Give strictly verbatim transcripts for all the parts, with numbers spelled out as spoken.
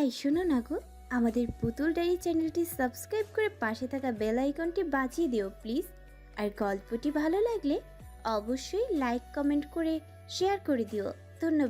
এই শোনো না গো, আমাদের পুতুল ডায়েরি চ্যানেলটি সাবস্ক্রাইব করে পাশে থাকা বেল আইকনটি বাজিয়ে দিও প্লিজ। আর গল্পটি ভালো লাগলে অবশ্যই লাইক কমেন্ট করে শেয়ার করে দিও। ধন্যবাদ।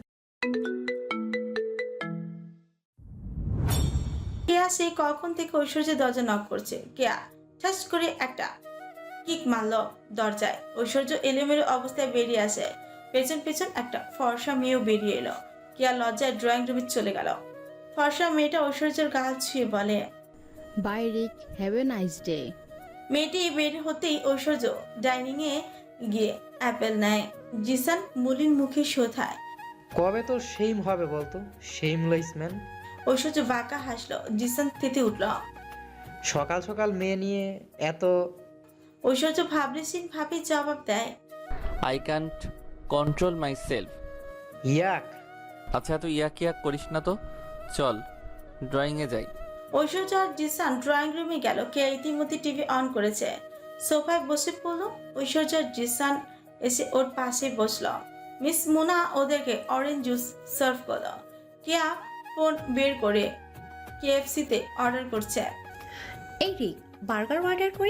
কেয়া সেই কখন থেকে ঐশ্বর্যের দরজা নক করছে। কেয়া ঠাস করে একটা কিক মারল দরজায়। ঐশ্বর্য এলোমেলো অবস্থায় বেরিয়ে আসে। পেছন পেছন একটা ফর্সা মেয়েও বেরিয়ে এলো। কেয়া লজ্জায় ড্রয়িং রুমে চলে গেল। ফর্সা মেয়েটা ঐশ্বর্যের গাল ছুঁয়ে বলে, bye Rick, have a nice day. মেয়েটি বের হতেই ঐশ্বর্য ডাইনিং এ গিয়ে অ্যাপেল নেয়। জিসান মুলিন মুখে শোধায়, কবে তোর শেম হবে বলতো? Shameless man. ঐশ্বর্য বাঁকা হাসলো। জিসান তেতে উঠল। সকাল সকাল মেয়ে নিয়ে এত। ঐশ্বর্য ভাবলেশীন ভাবে জবাব দেয়, I can't control myself. Yuck. আচ্ছা এত ইয়াক ইয়াক করিস না তো, চল ড্রয়িংয়ে যাই। ঐশ্বর্য আর জিসান ড্রয়িং রুমে গেল। কে ইতিমধ্যে টিভি অন করেছে। সোফায় বসে পড়ল। ঐশ্বর্য আর জিসান এসে ওর পাশে বসলো। মিস মুনা ওদেরকে অরেঞ্জ জুস সার্ভ করলো। কেয়া ফোন বের করে কেএফসিতে অর্ডার করছে। এই রিক, বার্গার অর্ডার করি।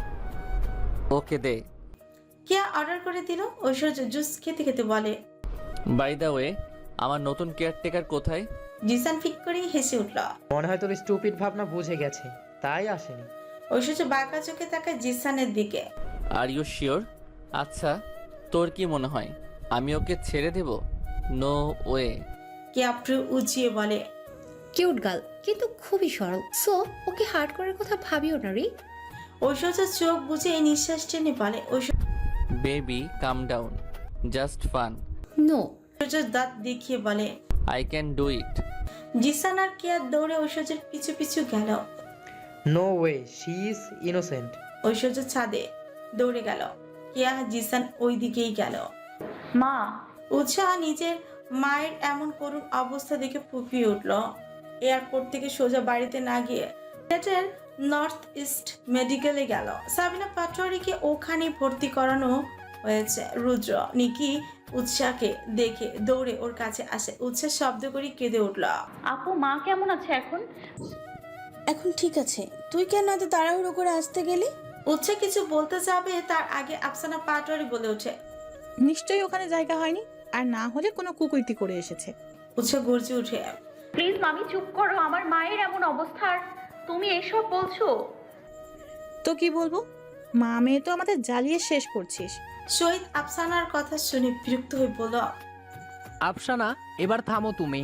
ওকে দে। কেয়া অর্ডার করে দিল। ঐশ্বর্য জুস খেতে খেতে বলে, বাই দ্য ওয়ে, আমার নতুন কেয়ারটেকার কোথায়? জিসান ফিক করে হেসে উঠল। মনে হয় তোর স্টুপিড ভাবনা বুঝে গেছে, তাই আসেনি। ঐশ্বর্য বাঁকা চোখে তাকায় জিসানের দিকে। Are you sure? আচ্ছা তোর কি মনে হয় আমি ওকে ছেড়ে দেব? No way. কেয়া ভ্রু উঁচিয়ে বলে, কিউট গার্ল, কিন্তু খুবই সরল। সো ওকে হার্ট করার কথা ভাবিও না রিক। ঐশ্বর্য চোখ বুঝে নিঃশ্বাস টেনে বলে, baby calm down, just fun. No. Aishwarya দাঁত দেখিয়ে বলে। I can do it. Jisan আর কেয়া দৌড়ে ঐশ্বর্যের পিছু পিছু গেল। No way, she is innocent. Aishwarya ছাদে দৌড়ে গেল। কেয়া জিসান ওই দিকেই গেল। মা, উৎসাহ নিজের মায়ের এমন করুণ অবস্থা দেখে ফুপিয়ে উঠল। এয়ারপোর্ট থেকে সোজা বাড়িতে না গিয়ে সিলেটের নর্থ ইস্ট মেডিকেলে গেল। সাবিনা পাটোয়ারিকে ওখানে ভর্তি করানো হয়েছে। রুদ্র নিকি উৎসাহকে দেখে দৌড়ে ওর কাছে আসে। উৎসাহ শব্দ করে কেঁদে উঠল। আপু মা কেমন আছে এখন? এখন ঠিক আছে। তুই কেন এত তাড়াহুড়ো করে আসতে গেলি? উৎসাহ কিছু বলতে যাবে তার আগে আফসানা পাটোয়ারি বলে ওঠে, নিশ্চয়ই ওখানে জায়গা হয়নি, আর না হলে কোনো কুকুরটি করে এসেছে। উৎসাহ গর্জে উঠে, প্লিজ মামি চুপ করো, আমার মায়ের এমন অবস্থার তুমি এসব বলছো? তো কি বলবো? মা মেয়ে তো আমাদের জ্বালিয়ে শেষ করছিস। শহীদ আফসানার কথা শুনে বিরক্ত হয়ে বলল, আফসানা, এবার থামো তুমি।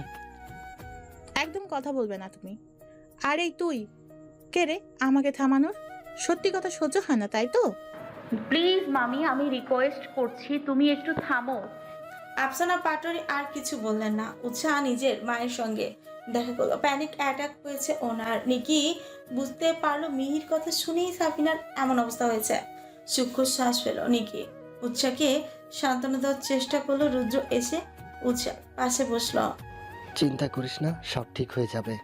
একদম কথা বলবে না তুমি। আর এই তুই কে রে আমাকে থামানোর? সত্যি কথা সহ্য হয় না, তাই তো? প্লিজ মামি, আমি রিকোয়েস্ট করছি তুমি একটু থামো। আফসানা পাটোয়ারি আর কিছু বললেন না। উৎসাহ নিজের মায়ের সঙ্গে দেখা করলো। প্যানিক অ্যাটাক হয়েছে ওনার। নিকি বুঝতে পারলো মিহির কথা শুনেই সাবিনার এমন অবস্থা হয়েছে। সূক্ষ্ম শ্বাস পেল নিকি। উৎসাহকে সান্ত্বনা দেওয়ার চেষ্টা করলো। রুদ্র এসে উৎসাহ পাশে বসলো। চিন্তা করিস না, সব ঠিক হয়ে যাবে।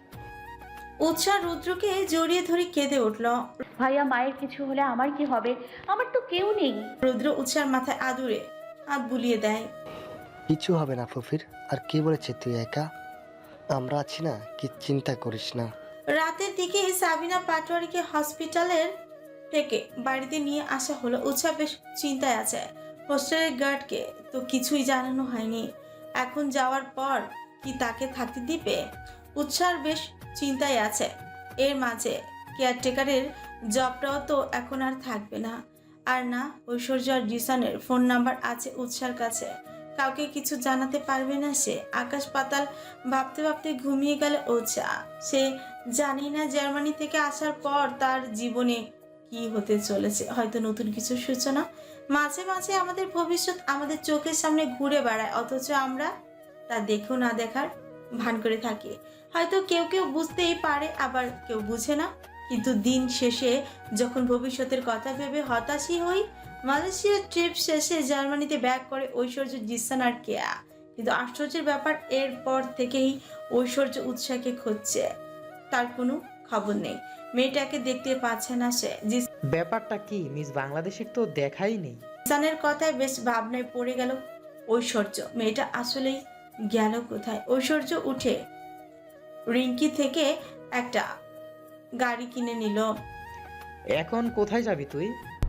উৎসাহ রুদ্রকে জড়িয়ে ধরে কেঁদে উঠল। ভাইয়া, মায়ের কিছু হলে আমার কি হবে? আমার তো কেউ নেই। রুদ্র উৎসাহের মাথায় আদুরে হাত বুলিয়ে দেয়। কিছু হবে না ফুফির। আর কে বলেছে তুই একা? আমরা আছি না, কি চিন্তা করিস না। রাতের দিকে সাবিনা পাটোয়ারিকে হসপিটালের থেকে বাড়িতে নিয়ে আসা হলো। উৎসাহ বেশ চিন্তায় আছে। হোস্টেলের গার্ডকে তো কিছুই জানানো হয়নি। এখন যাওয়ার পর কি তাকে থাকতে দিবে? উৎসাহ বেশ চিন্তায় আছে। এর মাঝে কেয়ারটেকারের জবটাও তো এখন আর থাকবে না। আর না, ঐশ্বর্য আর জিসানের ফোন নাম্বার আছে উৎসার কাছে। কাউকে কিছু জানাতে পারবে না সে। আকাশ পাতাল ভাবতে ভাবতে ঘুমিয়ে গেল উৎসাহ। সে জানি না জার্মানি থেকে আসার পর তার জীবনে কি হতে চলেছে। হয়তো নতুন কিছু সূচনা। মাঝে মাঝে আমাদের ভবিষ্যৎ আমাদের চোখের সামনে ঘুরে বেড়ায়, অথচ আমরা তা দেখেও না দেখার ভান করে থাকি। হয়তো কেউ কেউ বুঝতেই পারে, আবার কেউ বুঝে না। কিন্তু দিন শেষে যখন ভবিষ্যতের কথা ভেবে হতাশই হই। মালয়েশিয়ার ট্রিপ শেষে জার্মানিতে ব্যাক করে ঐশ্বর্য, জিসান আর কেয়া। কিন্তু আশ্চর্যের ব্যাপার, এরপর থেকেই ঐশ্বর্য উৎসাহকে খুঁজছে। তার কোনো খবর নেই। মেয়েটাকে দেখতে পাচ্ছে না সে। ব্যাপারটা কি মিস বাংলাদেশের তো দেখাই নেই। জিসানের কথায় বেশ ভাবনায় পড়ে গেল ঐশ্বর্য। মেয়েটা আসলেই গেল কোথায়? ঐশ্বর্য উঠে রিঙ্কি থেকে একটা গাড়ি কিনে নিল। এখন কোথায় যাবি তুই?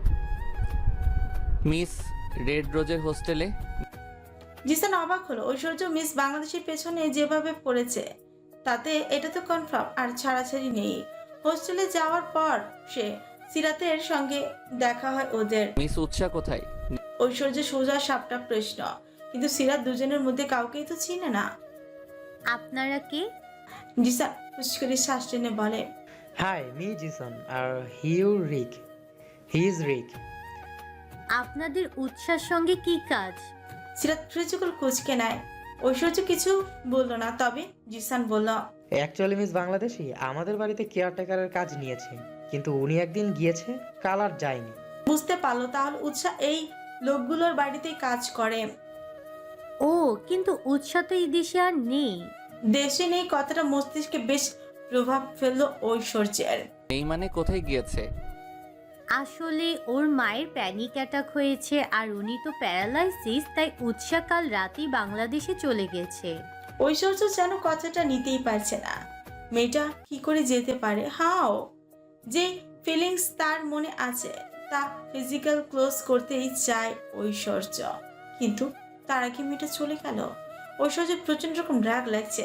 মিস রেড রোজের হোস্টেলে। জিসান অবাক হলো। ঐশ্বর্য মিস বাংলাদেশের পেছনে যেভাবে পড়েছে তাতে এটা তো কনফার্ম আর ছাড়াছাড়ি নেই। হোস্টেলে যাওয়ার পর সে সিরাতের সঙ্গে দেখা হয় ওদের। মিস উৎসা কোথায়? ঐশ্বর্য সোজা সাপটা প্রশ্ন, কিন্তু সিরাত দুজনের মধ্যে কাউকেই তো চিনে না। আপনারা কে? জিসান খুশ করে শ্বাস টেনে বলে, hi, me Jisan are you Rick. He is Rick. আপনাদের উৎসার সঙ্গে কি কাজ? সিরাত ফ্রিজুকুল কুচকে নেয়। ঐশ্বর্য কিছু বলল না, তবে জিসান বলল, অ্যাকচুয়ালি মিস বাংলাদেশি আমাদের বাড়িতে কেয়ারটেকারের কাজ নিয়েছে, কিন্তু উনি একদিন গিয়েছে, কাল আর যায়নি। বুঝতে পারলো তাহলে উৎসাহ এই লোকগুলোর বাড়িতেই কাজ করে। ও, কিন্তু উৎসা তো এই দেশে আর নেই। দেশে নেই কথাটা মস্তিষ্কে বেশ প্রভাব ফেললো ঐশ্বর্যের। এই মানে কোথায় গিয়েছে? আসলে ওর মায়ের প্যানিক অ্যাটাক হয়েছে আর উনি তো প্যারালাইসিস, তাই উৎসা কাল রাতেই বাংলাদেশে চলে গেছে। ঐশ্বর্য যেন কথাটা নিতেই পারছে না। মেয়েটা কি করে যেতে পারে? হাও যে ফিলিংস তার মনে আছে তা ফিজিক্যাল ক্লোজ করতেই চায় ঐশ্বর্য, কিন্তু তার আগে মেয়েটা চলে গেল। ঐশ্বর্যের প্রচন্ড রকম রাগ লাগছে।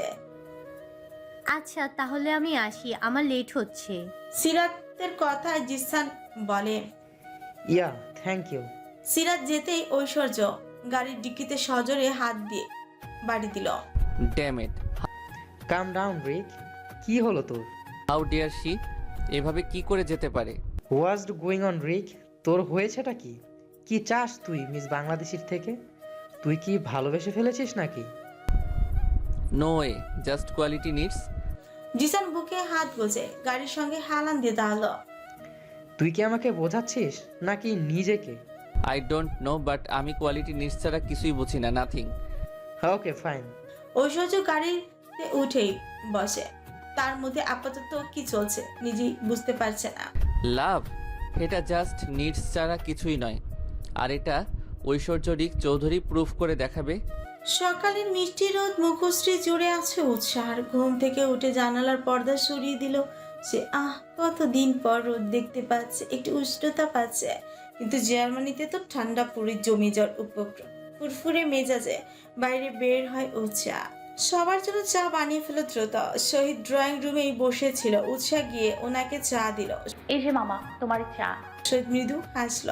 আচ্ছা তাহলে আমি আসি, আমার লেট হচ্ছে। সিরাতের কথায় জিসান বলে, ইয়া, থ্যাংক ইউ। সিরাত যেতেই ঐশ্বর্য গাড়ির ডিক্কিতে সজোরে হাত দিয়ে বাড়ি দিল। Damn it, calm down Rick. কি হলো তোর? হাউ ডিয়ার শি, এভাবে কি করে যেতে পারে? What's going on Rick? তোর হয়েছেটা কি? কি চাস তুই মিস বাংলাদেশির থেকে? তুই কি ভালোবেসে ফেলেছিস নাকি? No way, just quality needs. Jisan বুকে হাত গোজে গাড়ির সঙ্গে হালান দিয়ে দাঁড়ালো। তুই কি আমাকে বোঝাচ্ছিস নাকি নিজেকে? আই ডোন্ট নো, বাট আমি কোয়ালিটি নিডস ছাড়া কিছুই বুঝি না, নাথিং। Okay fine. ঐশ্বর্য গাড়িতে উঠেই বসে। তার মধ্যে আপাতত কি চলছে নিজেই বুঝতে পারছে না। লাভ, এটা জাস্ট নিডস ছাড়া কিছুই নয়। আর এটা ঐশ্বর্য রিক চৌধুরী প্রুফ করে দেখাবে। সকালের মিষ্টি রোদ মুখশ্রী জুড়ে আছে উৎসাহ। ঘুম থেকে উঠে জানালার পর্দা সরিয়ে দিল সে। আহ, কতদিন পর রোদ দেখতে পাচ্ছে, একটু উষ্ণতা পাচ্ছে। কিন্তু জার্মানিতে তো ঠান্ডা পুরী জমি জ্বর উপক্রম। ফুরফুরে মেজাজে বাইরে বের হয় উৎসাহ। সবার জন্য চা বানিয়ে ফেলো দ্রুত। শহীদ ড্রয়িং রুমেই বসেছিল। উৎসাহ গিয়ে ওনাকে চা দিল। এই যে মামা, তোমার চা। শহীদ মৃদু হাসল।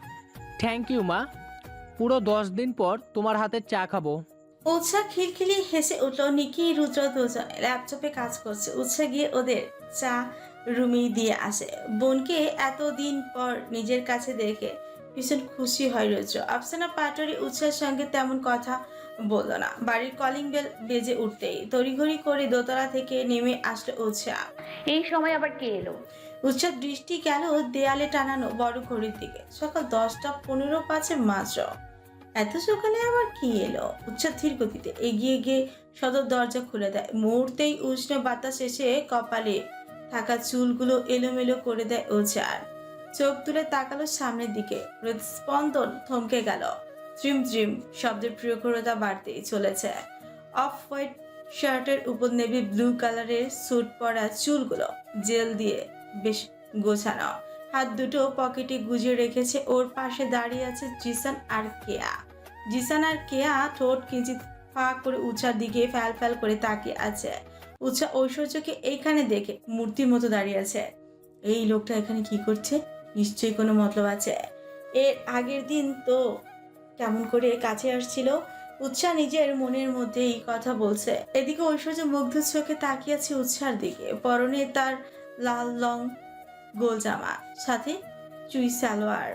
থ্যাংক ইউ মা, পুরো দশ দিন পর তোমার হাতের চা খাবো। উৎসাহ খিলখিলি হেসে উঠল। নিকি রুদ্র দুজনে ল্যাপটপে কাজ করছে। উৎসাহ গিয়ে ওদের চা রুমেই দিয়ে আসে। বোনকে এতদিন পর নিজের কাছে দেখে ভীষণ খুশি হয় রুদ্র। আফসানা পাটোয়ারি উৎসাহের সঙ্গে তেমন কথা বলল না। বাড়ির কলিং বেল বেজে উঠতেই তড়িঘড়ি করে দোতলা থেকে নেমে আসলো উৎসাহ। এই সময় আবার কে এলো? উৎসাহ দৃষ্টি গেল দেয়ালে টানানো বড় ঘড়ির দিকে। সকাল দশটা পনেরো পাঁচে মাত্র। এত সকালে আবার কি এলো? উৎসাহ ধীর গতিতে এগিয়ে গিয়ে সদর দরজা খুলে দেয়। মুহূর্তেই উষ্ণ বাতাস এসে কপালে থাকা চুলগুলো এলোমেলো করে দেয় উৎসাহ। চোখ তুলে তাকালো সামনের দিকে। হৃদস্পন্দন থমকে গেল। ত্রিম ত্রিম শব্দের প্রখরতা বাড়তেই চলেছে। অফ হোয়াইট শার্টের উপর নেভি ব্লু কালারের স্যুট পরা চুলগুলো জেল দিয়ে বেশ গোছানো। হাত দুটো পকেটে গুজে রেখেছে। ওর পাশে দাঁড়িয়ে আছে জিসান আর কেয়া। জিসান আর কেয়া ঠোঁট কিঞ্চিত ফাঁক করে উৎসার দিকে ফ্যাল ফ্যাল করে তাকিয়ে আছে। উৎসা ঐশ্বর্যকে এইখানে দেখে মূর্তির মতো দাঁড়িয়ে আছে। এই লোকটা এখানে কি করছে? নিশ্চয়ই কোনো মতলব আছে। এর আগের দিন তো কেমন করে কাছে আসছিল। উৎসাহ নিজের মনের মধ্যে এই কথা বলছে। এদিকে ঐশ্বর্য মুগ্ধ চোখে তাকিয়ে আছে উৎসার দিকে। পরনে তার লাল লং গোল জামা, সাথে চুই সালোয়ার,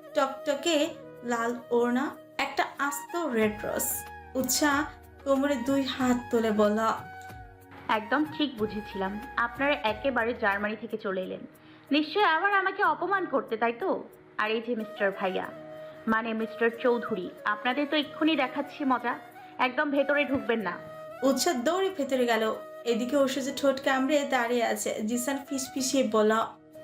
টকটকে লাল ওড়না, একটা আস্ত রেড রোজ। উৎসাহ কোমরে দুই হাত তুলে বলল, একদম ঠিক বুঝেছিলাম, আপনারা একেবারে জার্মানি থেকে চলে এলেন। নিশ্চয়ই আবার আমাকে অপমান করতে, তাই তো? আর এই যে মিস্টার ভাইয়া, মানে মিস্টার চৌধুরী, আপনাদের তো এক্ষুনি দেখাচ্ছি মজা। একদম ভেতরে ঢুকবেন না। উৎসাহ দৌড়ে ভেতরে গেল। এদিকে ঐশ্বর্য ঠোঁট কামড়ে দাঁড়িয়ে আছে। জিসান ফিস ফিসিয়ে বলল,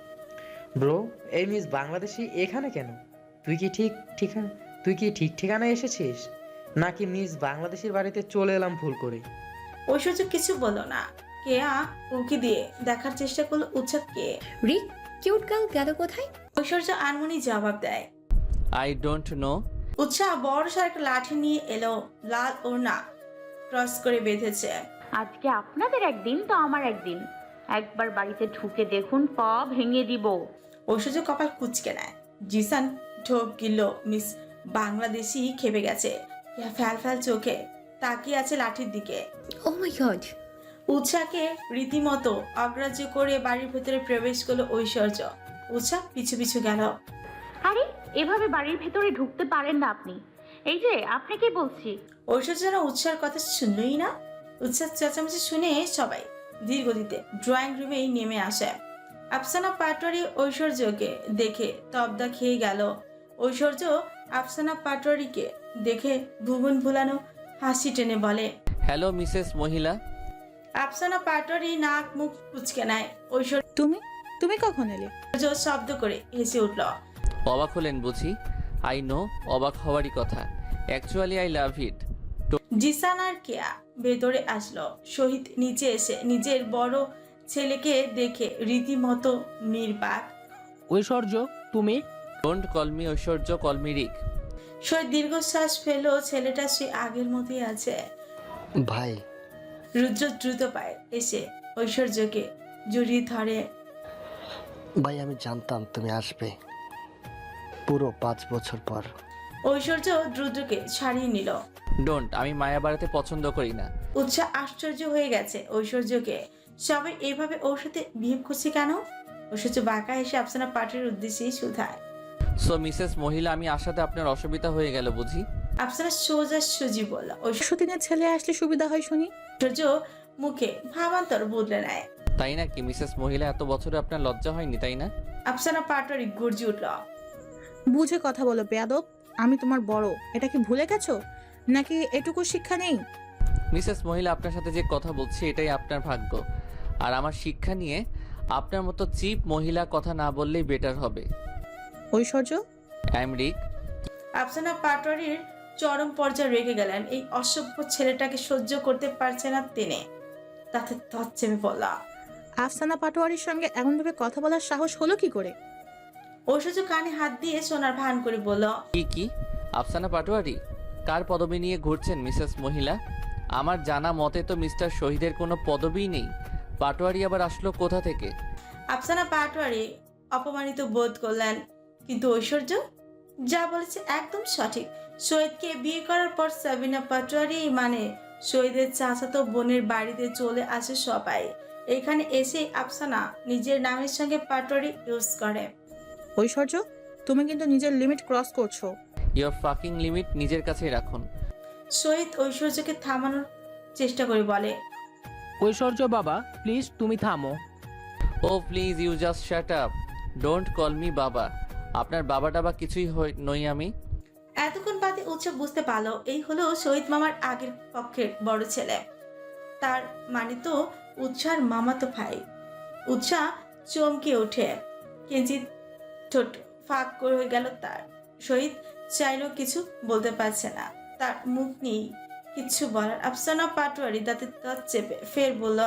ব্রো, এই মিস বাংলাদেশি এখানে কেন? তুই কি ঠিক ঠিকানা তুই কি ঠিক ঠিকানায় এসেছিস, নাকি মিস বাংলাদেশের বাড়িতে চলে এলাম ভুল করে? ঐশ্বর্য কিছু বলল না, কেয়া উকি দিয়ে দেখার চেষ্টা করলো উৎসাহ কে। রিক কিউট গার্ল গেল কোথায়? ঐশ্বর্য আনমনি জবাব দেয়। I don't know. উৎসাহ বড় সড় একটা লাঠি নিয়ে এলো, লাল ওড়না ক্রস করে বেঁধেছে। আজকে আপনাদের একদিন তো আমার একদিন। একবার বাড়িতে ঢুকে দেখুন, পা ভেঙে দিব। ঐশ্বর্য কপাল কুচকে নেয়। জিসান ঢোক গিলল। মিস বাংলাদেশি খেপে গেছে। কেয়া ফ্যাল ফ্যাল চোখে তাকিয়ে আছে লাঠির দিকে। ও মাই গড! উৎসাহকে রীতিমতো অগ্রাহ্য করে বাড়ির ভেতরে প্রবেশ করলো ঐশ্বর্য। উৎসাহ পিছু পিছু গেল। আরে এভাবে বাড়ির ভেতরে ঢুকতে পারেন না আপনি। এই যে আপনাকে বলছি। ঐশ্বর্য যেন উৎসাহের কথা শুনলই না। উৎসাহ চেঁচামেচি শুনে সবাই ধীর গতিতে ড্রয়িং রুমেই নেমে আসে। আফসানা পাটোয়ারি ঐশ্বর্যকে দেখে তবদা খেয়ে গেল। ঐশ্বর্য আফসানা পাটোয়ারিকে দেখে ভুবন ভুলানো হাসি টেনে বলে, হ্যালো মিসেস মহিলা। আফসানা পাটোয়ারি নাক মুখ কুচকে নেয়। ঐশ্বর্য তুমি তুমি কখন এলে? শব্দ করে হেসে উঠল। অবাক হলেন বুঝি? আই নো, অবাক হওয়ারই কথা। Actually I love it. Jisan আর কেয়া ভেতরে আসলো। শহীদ নিচে এসে নিজের বড় ছেলেকে দেখে রীতিমতো নির্বাক। ঐশ্বর্য তুমি? Don't call me Aishwarya, call me Rick. Shahid দীর্ঘশ্বাস ফেলো। ছেলেটা সে আগের মতোই আছে। ভাই রুদ্র দ্রুত পায়ে এসে ঐশ্বর্যকে জড়িয়ে ধরে। ভাই আমি জানতাম তুমি আসবে, পুরো পাঁচ বছর পর। ঐশ্বর্য রুদ্রকে ছাড়িয়ে নিল। ডোন্ট, আমি মায়া বাড়াতে পছন্দ করি না। উৎসাহ আশ্চর্য হয়ে গেছে ঐশ্বর্যকে। সবাই এভাবে ওর সাথে বিহেভ করছে কেন? ঐশ্বর্য বাঁকা এসে আফসানা পাটের উদ্দেশ্যেই শুধায়। সো মিসেস মহিলা, আমি আসাতে আপনার অসুবিধা হয়ে গেল বুঝি? আফসানা সোজা সুজি বলল। সতীনের ছেলে আসলে সুবিধা হয় শুনি। ঐশ্বর্য মুখে ভাবান্তর বদলে নেয়। তাই না কি মিসেস মহিলা? এত বছরে আপনার লজ্জা হয়নি তাই না? আফসানা পাটোয়ারি গর্জি উঠল। বুঝে কথা বলো বেয়াদব। আমি তোমার বড়, এটা কি ভুলে গেছো নাকি এটুকু শিক্ষা নেই? মিসেস মহিলা, আপনার সাথে যে কথা বলছি এটাই আপনার ভাগ্য। আর আমার শিক্ষা নিয়ে আপনার মতো চিপ মহিলা কথা না বললেই বেটার হবে। Aishwarya I am Rick. Afsana পাটোয়ারির চরম পর্যায়ে রেগে গেলেন। এই অসভ্য ছেলেটাকে সহ্য করতে পারছে না তিনি। তাতে তৎ চেপে পড়লা। আফসানা পাটোয়ারির সঙ্গে এমনভাবে কথা বলার সাহস হলো কি করে? ঐশ্বর্য কানে হাত দিয়ে সোনার ভান করে বলল, কি কি? আফসানা পাটোয়ারি? কার পদবি নিয়ে ঘুরছেন মিসেস মহিলা? আমার জানা মতে তো মিস্টার শহীদের কোনো পদবিই নেই। পাটোয়ারি আবার আসলো কোথা থেকে? আফসানা পাটোয়ারি অপমানিত বোধ করলেন। কিন্তু ঐশ্বর্য যা বলেছে একদম সঠিক। শহীদকে বিয়ে করার পর সাবিনা পাটোয়ারি মানে শহীদের চাচাতো বোনের বাড়িতে চলে আসে সবাই। এখানে এসে আফসানা নিজের নামের সঙ্গে পাটোয়ারি ইউজ করে। ঐশ্বর্য তুমি কিন্তু নিজের লিমিট ক্রস করছো। ইয়োর ফাকিং লিমিট নিজের কাছেই রাখুন। শহীদ ঐশ্বর্যকে থামানোর চেষ্টা করে বলে, ঐশ্বর্য বাবা প্লিজ তুমি থামো। Oh please you just shut up, don't call me baba. আপনার বাবা টাবা কিছুই হই- নই আমি। এতক্ষণ বাদে উৎসাহ বুঝতে পারলো এই হলো শহীদ মামার আগের পক্ষের বড় ছেলে। তার মানে তো উৎসার মামাতো ভাই। উৎসাহ চমকে ওঠে। কিঞ্চিত ঠোঁট ফাঁক করে গেল তার। শহীদ চাইলেও কিছু বলতে পারছে না, তার মুখ নেই কিচ্ছু বলার। আফসানা পাটোয়ারি দাঁতে দাঁত চেপে ফের বলল,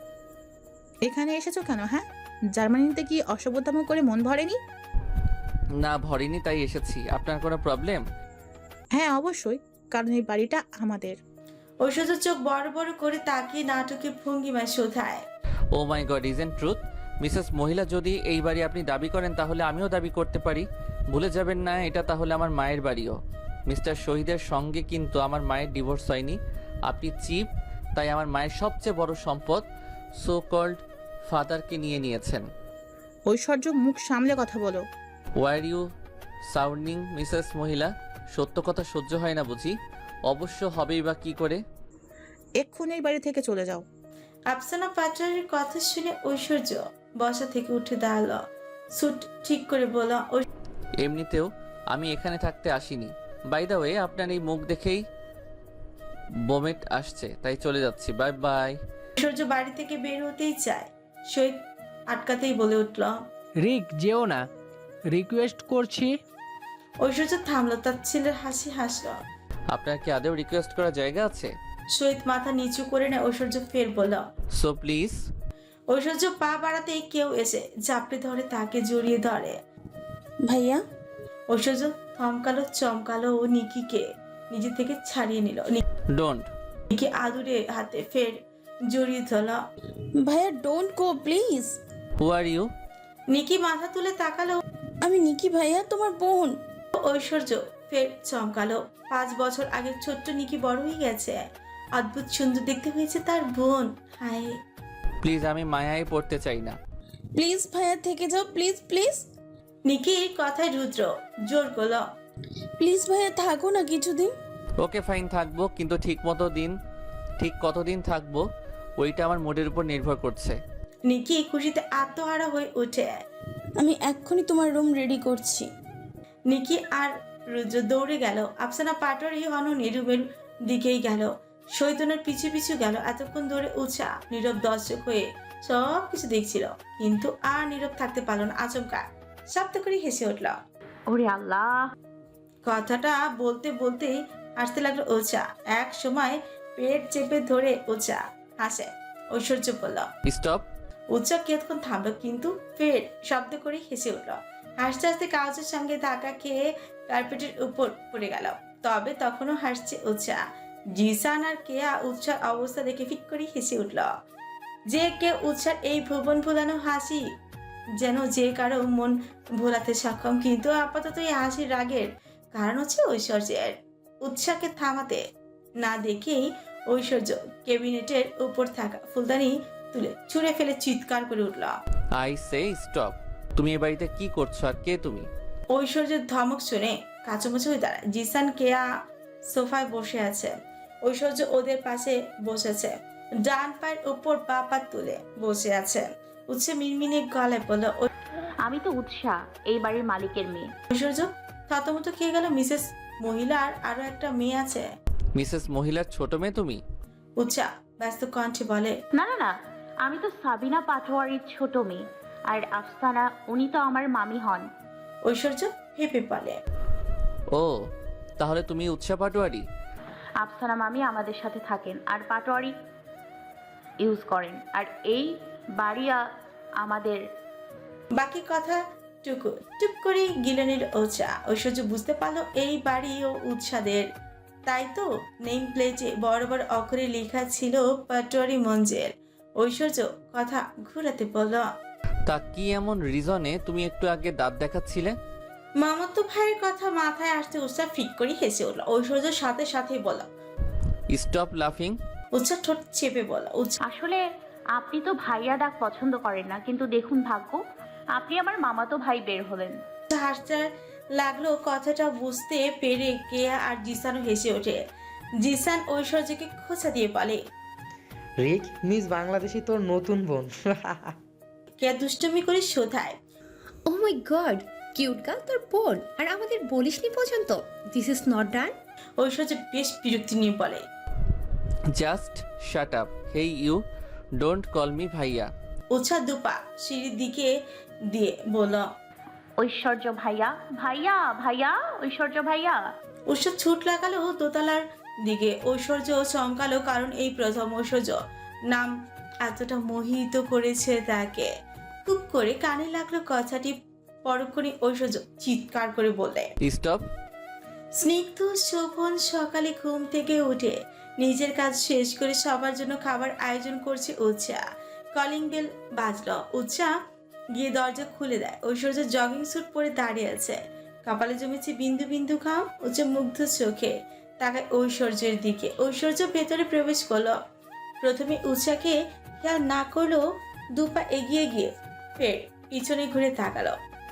এখানে এসেছো কেন? হ্যাঁ, জার্মানিতে কি অসভ্যতাম করে মন ভরেনি? না ভরিনি, তাই এসেছি। আপনার কোনো প্রবলেম? হ্যাঁ অবশ্যই, কারণ এই বাড়িটা আমাদের। ঐশ্বর্য চোখ বড় বড় করে তাকিয়ে নাটকের ভঙ্গিমায় শোধায়, oh my god, isn't truth? Mrs মহিলা, যদি এই বাড়ি আপনি দাবি করেন তাহলে আমিও দাবি করতে পারি। ভুলে যাবেন না এটা তাহলে আমার মায়ের বাড়িও। মিস্টার শহীদের সঙ্গে কিন্তু আমার মায়ের ডিভোর্স হয়নি। আপনি চিপ, তাই আমার মায়ের সবচেয়ে বড় সম্পদ সো কল্ড ফাদারকে নিয়ে নিয়েছেন। ঐশ্বর্য মুখ সামলে কথা বলো। ওয়ার ইউ সাউন্ডিং মিসেস মহিলা? সত্য কথা সহ্য হয় না বুঝি? অবশ্য হবেই বা কি করে? এক্ষুনি এই বাড়ি থেকে চলে যাও। আফসানা পাটোয়ারির কথা শুনে ঐশ্বর্য বসা থেকে উঠে দাঁড়ালো। স্যুট ঠিক করে বলল, এমনিতেও আমি এখানে থাকতে আসিনি। বাই দ্য ওয়ে, আপনার এই মুখ দেখেই বমেট আসছে, তাই চলে যাচ্ছি। Bye bye. ঐশ্বর্য বাড়ি থেকে বের হতেই চায়, শহীদ আটকাতেই বলে উঠল, রিক যেও না, রিকোয়েস্ট করছি। ঐশ্বর্য থামলো। তার ছেলের হাসি হাসলো। আপনার কি আদেও রিকোয়েস্ট করার জায়গা আছে? শহীদ মাথা নিচু করে নেয়। ঐশ্বর্য ফের বলল। So please. ঐশ্বর্য পা বাড়াতেই কেউ এসে ঝাপড়ে ধরে তাকে জড়িয়ে ধরে। ভাইয়া ঐশ্বর্য থমকালো, চমকালো ও নিকিকে নিজে থেকে ছাড়িয়ে নিল। ডোন্ট। নিকি আদুরে হাতে ফের জড়িয়ে ধরল। ভাইয়া don't go please. Who are you? Niki মাথা তুলে তাকালো। আমি নিকি ভাইয়া, তোমার বোন। ঐশ্বর্য ফের চমকালো। পাঁচ বছর আগে ছোট্ট নিকি বড় হয়ে গেছে। অদ্ভুত সুন্দর দেখতে হয়েছে তার বোন। হায়, প্লিজ, আমি মায়ায় পড়তে চাই না। প্লিজ ভাইয়া থেকে যাও, প্লিজ প্লিজ। নিকির কথায় রুদ্র জোর করলো। প্লিজ ভাইয়া থাকো না কিছুদিন। ওকে ফাইন, থাকবো, কিন্তু ঠিক মতো দিন ঠিক কতদিন থাকবো ওইটা আমার মুডের উপর নির্ভর করছে। নিকি খুশিতে আত্মহারা হয়ে ওঠে। আমি এক্ষুনি তোমার রুম রেডি করছি। নিকি আর রুদ্র দৌড়ে গেল। আফসানা পাটোয়ারি হননি রুমের দিকেই গেল। শৈতনের পিছু পিছু গেল। এতক্ষণ ধরে উচা নীরব দর্শক হয়ে সব কিছু দেখছিল, কিন্তু আর নীরব থাকতে পারল না। আচমকা শব্দ করে হেসে উঠল। ওরে আল্লাহ! কথাটা বলতে বলতে হাসতে লাগলো ওচা। এক সময় পেট চেপে ধরে ওচা হাসে। ঐশ্বর্য বলল স্টপ। উচ্চা কিয়ৎক্ষণ থামলো, কিন্তু ফের শব্দ করে হেসে উঠল। হাসতে হাসতে কাগজের সঙ্গে ধাক্কা খেয়ে কার্পেটের উপর পড়ে গেল। তবে তখনও হাসছে উচ্চা। জিসান আর কেয়া উৎসার অবস্থা দেখে ফিক করে হেসে উঠল। যে কে উৎসার এই ভুবন ভোলানো হাসি যেন যে কারো মন ভোলাতে সক্ষম, কিন্তু আপাতত এই হাসির রাগের কারণ হচ্ছে ঐশ্বর্যের। উৎসাকে থামাতে না দেখেই ঐশ্বর্য ক্যাবিনেটের উপর থাকা ফুলদানি তুলে ছুঁড়ে ফেলে চিৎকার করে উঠল। I say stop. তুমি এ বাড়িতে কি করছো আর কে তুমি? ঐশ্বর্যের ধমক শুনে কাচুমাচু হয়ে দাঁড়ায়। জিসান কেয়া সোফায় বসে আছে। ঐশ্বর্য ওদের পাশে বসেছে, ডান পায়ের উপর পা পা তুলে বসে আছে। উচ্ছে মিনমিনে গলায় বলল, আমি তো উৎসাহ, এই বাড়ির মালিকের মেয়ে। ঐশ্বর্য থতমত খেয়ে গেল। মিসেস মহিলার আরো একটা মেয়ে আছে। মিসেস মহিলার ছোট মেয়ে তুমি? উচ্চা ব্যস্ত কণ্ঠে বলে, না না না, আমি তো সাবিনা পাটোয়ারির ছোট মেয়ে। আর আফসানা, উনি তো আমার মামি হন। ঐশ্বর্য হেপে বলে, ও, তাহলে তুমি উৎসাহ পাটোয়ারি? আফসানা মামি আমাদের সাথে থাকেন আর পাটোয়ারি ইউজ করেন, আর এই বাড়িয়া আমাদের। বাকি কথা টুকু টুক করে গিলে নিল ওচা। ঐশ্বর্য বুঝতে পারলো এই বাড়ি ও উৎসাদের। তাই তো নেম প্লেটে বড় বড় অক্ষরে লেখা ছিল পাটোয়ারি মঞ্জের। ঐশ্বর্য কথা ঘুরাতে বলল, তা কি এমন রিজনে তুমি একটু আগে দাঁত দেখাচ্ছিলে? মামাতো ভাইয়ের কথা মাথায় আসতে উৎসা ফিক করে হেসে উঠল। ঐশ্বর্যের সাথে সাথে বলল, স্টপ লাফিং। উৎসা ঠোঁট চেপে বলল, উৎসা আসলে আপনি তো ভাইয়া ডাক পছন্দ করেন না, কিন্তু দেখুন ভাগ্য, আপনি আমার মামাতো ভাই বের হলেন। হাসতে লাগলো। কথাটা বুঝতে পেরে কেয়া আর জিসানও হেসে ওঠে। জিসান ঐশ্বর্যকে খোঁচা দিয়ে বলে, রিক, মিস বাংলাদেশি তোর নতুন বোন। কেয়া দুষ্টুমি করে শোধায়, oh my god, cute girl তোর বোন, আর আমাদের বলিসনি পর্যন্ত। This is not done. Aishwarya বেশ বিরক্তি নিয়ে বলে, just shut up. Hey you, don't call me bhaiya. Utsa দুপা সিঁড়ির দিকে দিয়ে বলল, ঐশ্বর্য ভাইয়া, ভাইয়া ভাইয়া, ঐশ্বর্য ভাইয়া। উৎসা ছুট লাগালো দোতলার দিকে। ঐশ্বর্য চমকালো, কারণ এই প্রথম ঐশ্বর্য নাম এতটা মোহিত করেছে তাকে। খুব করে কানে লাগলো কথাটি। পরক্ষণে ঐশ্বর্য চিৎকার করে বলে, স্টপ। স্নিগ্ধ শোভন সকালে ঘুম থেকে উঠে নিজের কাজ শেষ করে সবার জন্য খাবার আয়োজন করছে উৎসা। কলিং বেল বাজলো। উৎসা গিয়ে দরজা খুলে দেয়। ঐশ্বর্য জগিং স্যুট পরে দাঁড়িয়ে আছে, কপালে জমেছে বিন্দু বিন্দু ঘাম। উৎসা মুগ্ধ চোখে তাকায় ঐশ্বর্যের দিকে। ঐশ্বর্য ভেতরে প্রবেশ করলো। প্রথমে উৎসাকে খেয়াল না করলেও দুপা এগিয়ে গিয়ে ফের পিছনে ঘুরে তাকালো।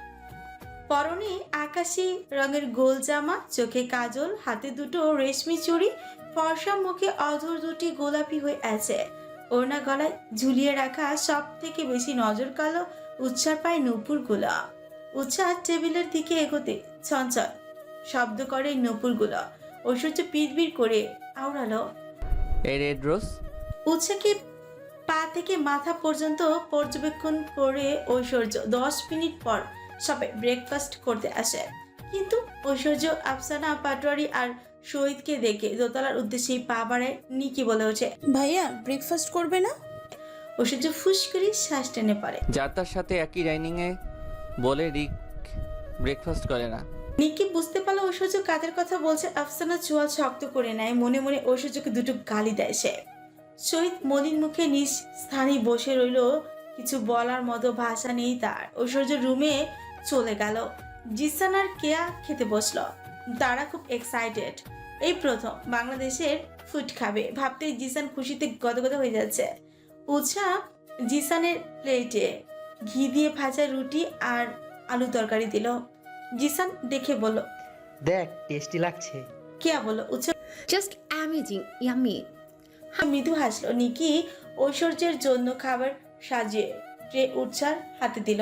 পরনে আকাশি রঙের গোল জামা, চোখে কাজল, হাতে দুটো রেশমি চুড়ি, ফর্সা মুখে অধর দুটি গোলাপি হয়ে আছে। ওড়না গলায় ঝুলিয়ে রাখা। সব থেকে বেশি নজর কালো উৎসার পায় নূপুর গুলা। উৎসাহ টেবিলের দিকে এগোতে চঞ্চল শব্দ করে নূপুর গুলা। ঐশ্বর্য পিড়বিড় করে আওড়ালো, এই রেড রোজ। উৎসাকে পা থেকে মাথা পর্যন্ত পর্যবেক্ষণ করে ঐশ্বর্য দশ মিনিট পর সবাই ব্রেকফাস্ট করতে আসে, কিন্তু ঐশ্বর্য, আফসানা পাটোয়ারি আর শহীদকে দেখে দোতলার উদ্দেশ্যেই পা বাড়ায়। নিকি বলে ওঠে, ভাইয়া ব্রেকফাস্ট করবে না? ঐশ্বর্য ফুস করে শ্বাস টেনে পারে। যার তার সাথে একই ডাইনিংয়ে বলে রিক ব্রেকফাস্ট করে না। নিকি বুঝতে পারলো ঐশ্বর্য কাদের কথা বলছে। আফসানা চোয়াল শক্ত করে নেয়, মনে মনে ঐশ্বর্যকে দুটো গালি দেয় সে। শহীদ মলিন মুখে নিজ স্থানেই বসে রইল, কিছু বলার মতো ভাষা নেই তার। ঐশ্বর্য রুমে চলে গেল। জিসান আর কেয়া খেতে বসলো। তারা খুব এক্সাইটেড, এই প্রথম বাংলাদেশের ফুড খাবে। ভাবতেই জিসান খুশিতে গদগদ হয়ে যাচ্ছে। উৎসা জিসানের প্লেটে ঘি দিয়ে ভাজা রুটি আর আলু তরকারি দিল। জিসান দেখে বলল, দেখ টেস্টি লাগছে। কেয়া বলল, উৎসা জাস্ট অ্যামেজিং, ইয়ামি। মৃদু হাসলো। নিকি ঐশ্বর্যের জন্য খাবার সাজিয়ে ট্রে উৎসার হাতে দিল।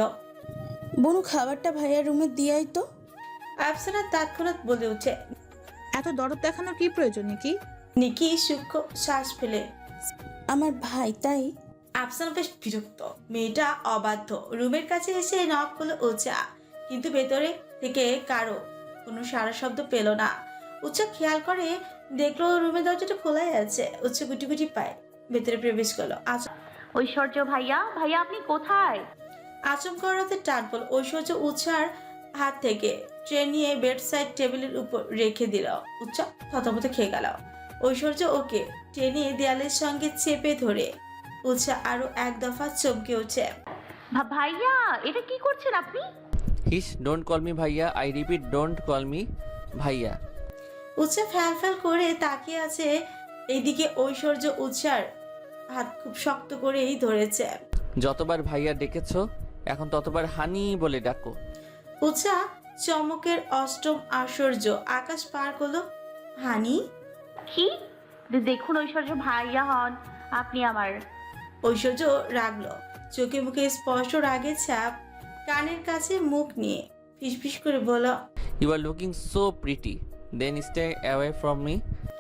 বনু খাবারটা ভাইয়ার রুমে দিয়াই তো। আফসানা তৎক্ষণাৎ বলে উঠে। এত দরদ দেখানোর কি প্রয়োজন নাকি? নিকি সূক্ষ্ম শ্বাস ফেলে, আমার ভাই তাই। আফসানা বেশ বিরক্ত, মেয়েটা অবাধ্য। রুমের কাছে এসে নক করলো উৎসা, কিন্তু ভেতরে থেকে কারো কোনো সারা শব্দ পেল না। উৎসা খেয়াল করে দেখলো রুমের দরজাটা খোলাই আছে। উৎসা গুটি গুটি পায় ভেতরে প্রবেশ করলো। আচ- ঐশ্বর্য ভাইয়া, ভাইয়া আপনি কোথায়? আচমকা রাতে টান পড়ল। ঐশ্বর্য উৎসার হাত থেকে ট্রে নিয়ে বেড সাইড টেবিলের উপর রেখে দিল। উৎসা থতমত খেয়ে গেল। ঐশ্বর্য ওকে টেনে দেয়ালের সঙ্গে চেপে ধরে উৎসা আরো এক দফা চমকে ওঠে। ভা- ভাইয়া এটা কি করছেন আপনি? Hiss, don't call me bhaiya, I repeat don't call me bhaiya. Utsa ফ্যাল ফ্যাল করে তাকিয়ে আছে। এইদিকে ঐশ্বর্য উৎসার হাত খুব শক্ত করেই ধরেছে। যতবার ভাইয়া ডেকেছো এখন ততবার হানি বলে ডাকো। উৎসা চমকের অষ্টম আশ্চর্য আকাশ পার করলো। হানি? কি? দেখুন ঐশ্বর্য ভাইয়া হন আপনি আমার। ঐশ্বর্য রাগলো, চোখে মুখে স্পষ্ট রাগের ছাপ। কানের কাছে মুখ নিয়ে ফিসফিস করে বলল, you are looking so pretty, then stay away from me.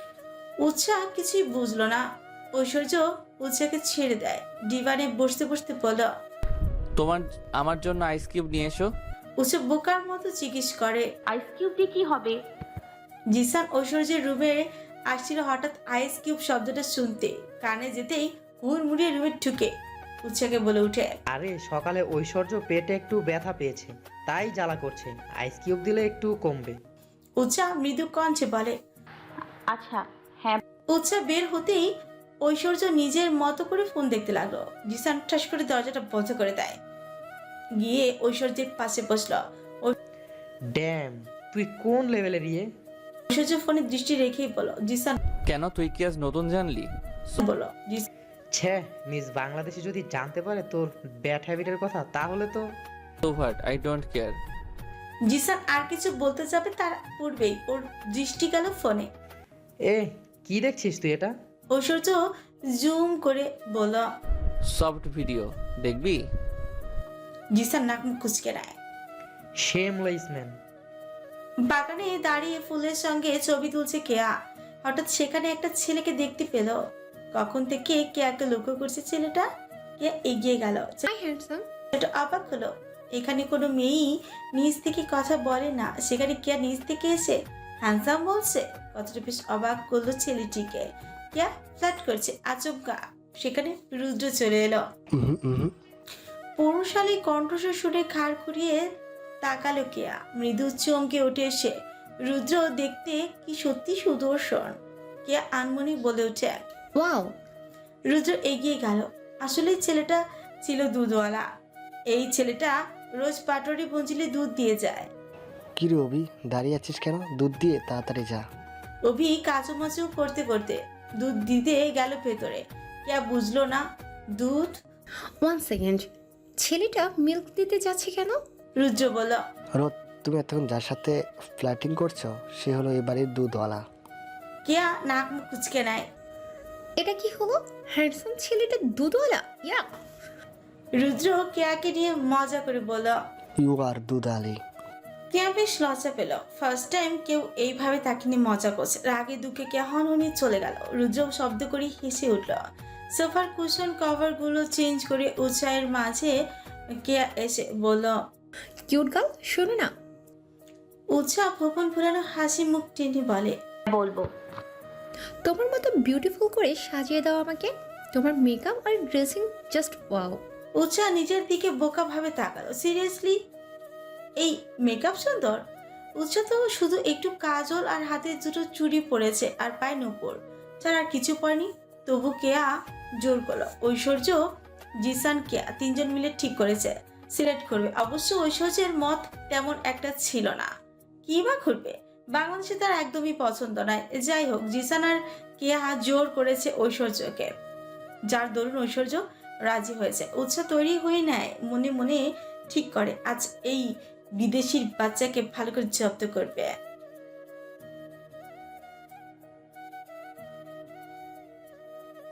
Utsa কিছুই বুঝলো না। ঐশ্বর্য উৎসাকে ছেড়ে দেয়। ডিভানে বসতে বসতে বলল, তোমার আমার জন্য আইস কিউব নিয়ে এসো। উৎসা বোকার মতো জিজ্ঞেস করে। আইস কিউব দিয়ে কি হবে? জিসান ঐশ্বর্যের রুমে আসছিল। হঠাৎ আইস কিউব শব্দটা শুনতে কানে যেতেই হুড়মুড়িয়ে রুমে ঢুকে উৎসাকে বলে উঠে, আরে সকালে ঐশ্বর্য পেটে একটু ব্যথা পেয়েছে, তাই জ্বালা করছে, আইস কিউব দিলে একটু কমবে। উৎসা মৃদু কণ্ঠে বলে। আচ্ছা হ্যাঁ। উৎসা বের হতেই ঐশ্বর্য নিজের মতো করে ফোন দেখতে লাগলো। জিসান ঠাস করে দরজাটা বন্ধ করে দেয়, গিয়ে ঐশ্বর্যের পাশে বসলো। ড্যাম, তুই কোন লেভেলের ইয়ে? ঐশ্বর্য ফোনে দৃষ্টি রেখেই বলো, জিসান কেন, তুই কি আজ নতুন জানলি? বলো। জিসান ছে, মিস বাংলাদেশে যদি জানতে পারে তোর ব্যাড হ্যাবিটের কথা তাহলে তো। So what, I don't care. Jisan আর কিছু বলতে যাবে তার পূর্বেই ওর দৃষ্টি গেল ফোনে। এ কি দেখছিস তুই এটা? ঐশ্বর্য জুম করে বলল। সফট ভিডিও দেখবি? জিসান নাক মুখ কুচকে নেয়। Shameless man. বাগানে দাঁড়িয়ে ফুলের সঙ্গে ছবি তুলছে কেয়া। হঠাৎ সেখানে একটা ছেলেকে দেখতে পেল। কখন থেকে কেয়াকে লক্ষ্য করছে ছেলেটা। কেয়া এগিয়ে গেল। Hi handsome. ছেলেটা অবাক হলো, এখানে কোনো মেয়েই নিজ থেকে কথা বলে না, সেখানে কেয়া নিজ থেকে এসে হ্যান্ডসাম বলছে। কথাটা বেশ অবাক করলো ছেলেটিকে। কেয়া ফ্ল্যাট করছে। আচমকা সেখানে রুদ্র চলে এলো। উহুম, উহুম। পৌরশালী কণ্ঠস্বর শুনে খাড় ঘুরিয়ে তাকালো কেয়া। মৃদু চমকে উঠে এসে, রুদ্র দেখতে কি সত্যি সুদর্শন। কেয়া আনমনি বলে উঠে। ওয়াও। রুদ্র এগিয়ে গেল। আসলে ছেলেটা ছিল দুধওয়ালা। এই ছেলেটা রোজ পাটরি পঞ্জিলে দুধ দিয়ে যায়। কি রে অভি, দাঁড়িয়ে আছিস কেন? দুধ দিয়ে তাড়াতাড়ি যা। অভি কাচুমাচু করতে করতে দুধ দিতে গেল ভেতরে। কেয়া বুঝলো না দুধ। ওয়ান সেকেন্ড, ছেলেটা মিল্ক দিতে যাচ্ছে কেন? রুদ্র বলল, রোদ, তুমি এতক্ষণ যার সাথে ফ্ল্যাটিং করছো সে হলো এই বাড়ির দুধওয়ালা। কেয়া নাক মুখ কুচকে নেয়। এটা কি হলো? হ্যান্ডসাম ছেলেটা দুধওয়ালা? ইয়া। রুদ্র কেয়াকে নিয়ে মজা করে বলল। ইউ আর দুধ আলি। কেয়া বেশ লজ্জা পেল। ফার্স্ট টাইম কেউ এইভাবে তাকে নিয়ে মজা করছে। রাগে দুঃখে কেয়া হনহনি চলে গেল। রুদ্র শব্দ করে হেসে উঠল। সোফার কুশন কভার গুলো চেঞ্জ করে উৎসাহের মাঝে কেয়া এসে বলল, কিউট গার্ল, শোনো না। উৎসাহ ভোপন ফুরানো হাসি মুখ টেনে বলে, বলবো। তোমার মতো বিউটিফুল করে সাজিয়ে দাও আমাকে। তোমার মেকআপ আর ড্রেসিং জাস্ট ওয়াও। উৎসাহ নিজের দিকে বোকা ভাবে তাকালো। সিরিয়াসলি এই মেকআপ সুন্দর? উৎসাহ তো শুধু একটু কাজল আর হাতে দুটো চুড়ি পরেছে আর পায়ে নুপুর, যার আর কিছু পরেনি। তবু কেয়া জোর করলো। ঐশ্বর্য, জিসান, কেয়া তিনজন মিলে ঠিক করেছে সিলেক্ট করবে। অবশ্য ঐশ্বর্যের মত তেমন একটা ছিল না, কি বা করবে, বাংলাদেশে তার একদমই পছন্দ নয়। যাই হোক, জিসান আর কেয়া জোর করেছে ঐশ্বর্যকে, যার দরুন ঐশ্বর্য রাজি হয়েছে। উৎসাহ তৈরি হয়ে নেয়, মনে মনে ঠিক করে আজ এই বিদেশির বাচ্চাকে ভালো করে জব্দ করবে।